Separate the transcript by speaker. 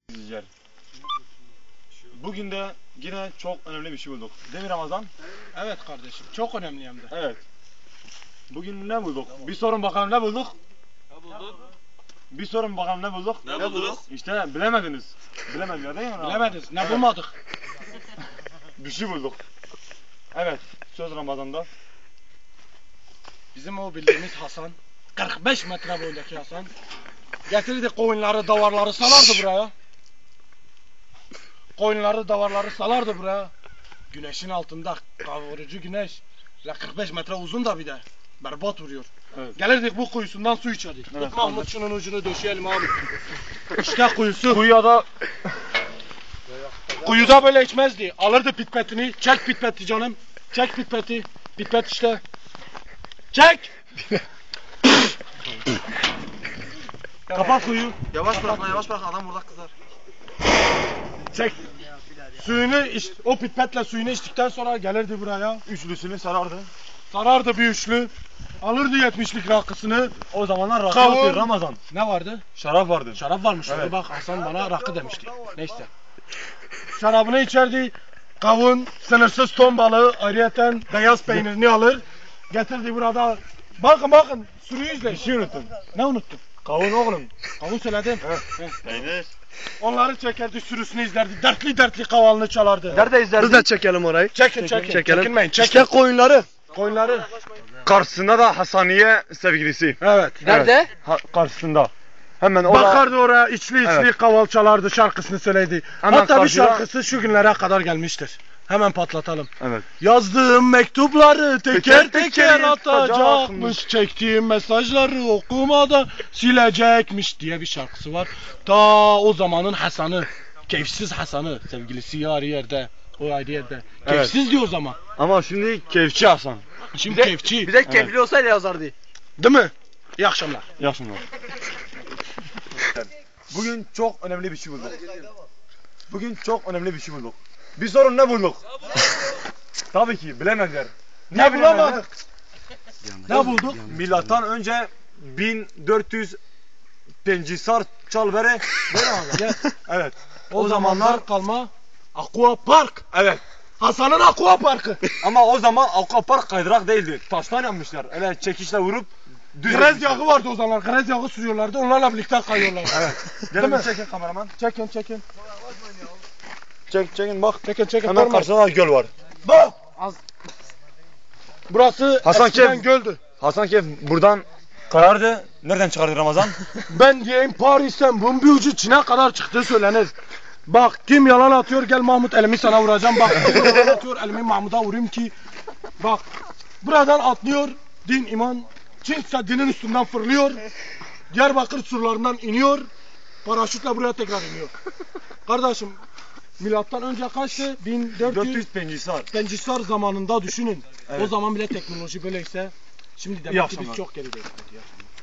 Speaker 1: İzleyiciler. Bugün de yine çok önemli bir şey bulduk. Değil mi Ramazan?
Speaker 2: Evet kardeşim, çok önemli hem de.
Speaker 1: Evet. Bugün ne bulduk? Bir sorun bakalım ne bulduk?
Speaker 3: Ne bulduk?
Speaker 1: Bir sorun bakalım ne bulduk?
Speaker 3: Ne bulduk?
Speaker 1: İşte bilemediniz. Bilemediler değil mi Ramazan?
Speaker 2: Bilemediniz, ne bulmadık?
Speaker 1: Bir şey bulduk. Evet. Söz Ramazan'da.
Speaker 2: Bizim o bildiğimiz Hasan, 45 metre boyundaki Hasan, getirdi koyunları, davarları salardı buraya. Koyunları, davarları salardı buraya. Güneşin altında, kavurucu güneş. Ve 45 metre uzun da bir de. Berbat vuruyor.
Speaker 1: Evet.
Speaker 2: Gelirdik bu kuyusundan su içerdik.
Speaker 1: Evet,
Speaker 2: Tut Mahmut şunun ucunu döşeyelim abi. İşte kuyusu.
Speaker 1: Kuyuya
Speaker 2: Kuyuda böyle içmezdi. Alırdı pitpetini. Çek pitpeti canım. Çek pitpeti. Pitpet işte. Çek. Kapat kuyu.
Speaker 3: Yavaş bırak lan, yavaş bırak, adam burada kızar.
Speaker 2: Çek. Suyunu iç, o pitpetle suyunu içtikten sonra gelirdi buraya.
Speaker 1: üçlüsünü sarardı.
Speaker 2: Sarardı bir üçlü. Alırdı 70'lik rakısını.
Speaker 1: O zamanlar rakı
Speaker 2: Kavun.
Speaker 1: atıyor Ramazan.
Speaker 2: Ne vardı?
Speaker 1: Şarap vardı.
Speaker 2: Şarap varmış.
Speaker 1: Evet.
Speaker 2: Bak Hasan bana rakı demişti. Neyse. Şarabını içerdi. Kavun, sınırsız ton balığı, ayrıyeten beyaz peynirini alır. Getirdi burada. Bakın sürüyü izleyin.
Speaker 1: Bir şey unuttun.
Speaker 2: Ne unuttun?
Speaker 1: Kavun oğlum.
Speaker 2: Kavun söyledim.
Speaker 3: Peynir.
Speaker 2: Onları çekerdi, sürüsünü izlerdi. Dertli kavalını çalardı.
Speaker 3: Nerede izlerdin?
Speaker 4: Biz de çekelim orayı.
Speaker 2: Çekin.
Speaker 4: Çekelim.
Speaker 2: Çekinmeyin. Çekin.
Speaker 4: İşte koyunları.
Speaker 2: Koyunları.
Speaker 1: Karşısında da Hasaniye sevgilisi.
Speaker 2: Evet.
Speaker 3: Nerede?
Speaker 1: Karşısında. Hemen orada.
Speaker 2: Bakardı oraya içli
Speaker 1: Evet.
Speaker 2: kaval çalardı, şarkısını söyledi.
Speaker 1: Hemen
Speaker 2: Hatta bir
Speaker 1: karşıda-
Speaker 2: şarkısı şu günlere kadar gelmiştir. Hemen patlatalım.
Speaker 1: Evet.
Speaker 2: Yazdığım mektupları teker
Speaker 1: teker
Speaker 2: teker
Speaker 1: atacakmış.
Speaker 2: atacakmış. Çektiğim mesajları okumada silecekmiş diye bir şarkısı var. Ta o zamanın Hasan'ı, keyifsiz Hasan'ı, sevgilisi yarı yerde, o ayrı yerde.
Speaker 1: Evet.
Speaker 2: Keyifsiz diyor o zaman.
Speaker 1: Ama şimdi keyifçi Hasan.
Speaker 2: Şimdi keyifçi.
Speaker 4: Bize keyifli olsaydı yazardı.
Speaker 2: Değil mi? İyi akşamlar.
Speaker 1: Yaşınlar. Bugün çok önemli bir şey bulduk. Bugün çok önemli bir şey bulduk. Bir sorun ne bulduk? Tabii ki bilemediler.
Speaker 2: Ne
Speaker 1: bilemediler?
Speaker 2: bulamadık? Ne bulduk?
Speaker 1: Milattan önce 1400 Pencisar Çalvere. Evet.
Speaker 2: O zamanlar kalma Aqua Park.
Speaker 1: Evet.
Speaker 2: Hasan'ın Aqua Parkı.
Speaker 1: Ama o zaman akvapark kaydırak değildi. Taştan yapmışlar. Öyle çekişle vurup düz
Speaker 2: Grez
Speaker 1: etmişler.
Speaker 2: yağı vardı o zamanlar. Grez yağı sürüyorlardı. Onlarla birlikte kayıyorlardı.
Speaker 1: Evet. Gelin bir çekin kameraman.
Speaker 2: Çekin.
Speaker 1: Çekin bak.
Speaker 2: Çekin.
Speaker 1: Hemen
Speaker 2: Parmak.
Speaker 1: karşıda da göl var.
Speaker 2: Bak. Burası
Speaker 1: Hasan
Speaker 2: eskiden
Speaker 1: Kef-
Speaker 2: göldü.
Speaker 1: Hasan Kef buradan kayardı. Nereden çıkardı Ramazan?
Speaker 2: Ben diyeyim Paris'ten bunun bir ucu Çin'e kadar çıktığı söylenir. Bak kim yalan atıyor gel Mahmut elimi sana vuracağım. Bak kim yalan atıyor elimi Mahmut'a vurayım ki. Bak buradan atlıyor din iman. Çin Seddi'nin üstünden fırlıyor. Diyarbakır surlarından iniyor. Paraşütle buraya tekrar iniyor. Kardeşim milattan önce kaçtı? 1400
Speaker 1: 400 Pencisar.
Speaker 2: Pencisar zamanında düşünün.
Speaker 1: Evet.
Speaker 2: O zaman bile teknoloji böyleyse şimdi
Speaker 1: İyi
Speaker 2: demek ki
Speaker 1: akşamlar.
Speaker 2: biz çok gerideyiz.